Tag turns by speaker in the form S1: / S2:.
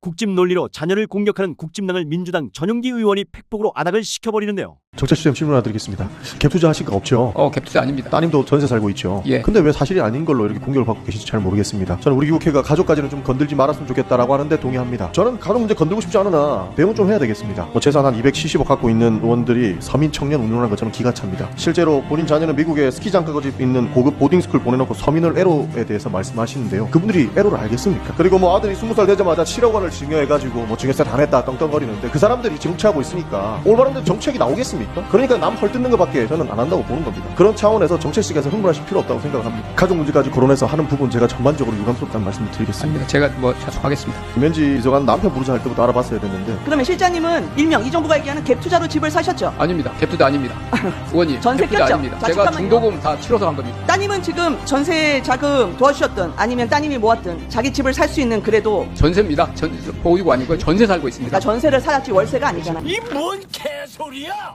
S1: 국집 논리로 자녀를 공격하는 국집당을 민주당 전용기 의원이 팩폭으로 아닥을 시켜버리는데요.
S2: 정책시장 질문 하나 드리겠습니다. 갭 투자하신 거 없죠?
S3: 갭투자 아닙니다.
S2: 따님도 전세 살고 있죠?
S3: 예.
S2: 근데 왜 사실이 아닌 걸로 이렇게 공격을 받고 계신지 잘 모르겠습니다. 저는 우리 국회가 가족까지는 좀 건들지 말았으면 좋겠다라고 하는데 동의합니다. 저는 가족 문제 건들고 싶지 않으나 대응은 좀 해야 되겠습니다. 재산 한 270억 갖고 있는 의원들이 서민 청년 운용하는 것 저는 기가 찹니다. 실제로 본인 자녀는 미국에 스키장까지 있는 고급 보딩스쿨 보내놓고 서민을 애로에 대해서 말씀하시는데요. 그분들이 애로를 알겠습니까? 그리고 아들이 20살 되자마자 7억 원을 증여해가지고 증여세 다 냈다 떵떵거리는데 그 사람들이 정치하고 있으니까 올바른 정책이 나오겠습니까? 그러니까 남 헐뜯는 것밖에 저는 안 한다고 보는 겁니다. 그런 차원에서 정책식에서 흥분하실 필요 없다고 생각합니다. 가족 문제까지 거론해서 하는 부분 제가 전반적으로 유감스럽다는 말씀을 드리겠습니다.
S3: 아닙니다. 제가 자수하겠습니다.
S2: 김현지 비서관 남편 부르자 할 때부터 알아봤어야 됐는데.
S4: 그러면 실장님은 일명 이 정부가 얘기하는 갭 투자로 집을 사셨죠?
S3: 아닙니다. 갭투자 아닙니다. 의원님,
S4: 전세
S3: 갭투자
S4: 꼈죠?
S3: 아닙니다.
S4: 자,
S3: 제가
S4: 잠깐만요.
S3: 중도금 다 치러서 간 겁니다.
S4: 따님은 지금 전세 자금 도와주셨든 아니면 따님이 모았든 자기 집을 살 수 있는 그래도
S3: 전세입니다. 보유고 아니고요. 전세 살고 있습니다.
S4: 전세를 살았지 월세가 아니잖아.
S1: 이 뭔 개소리야!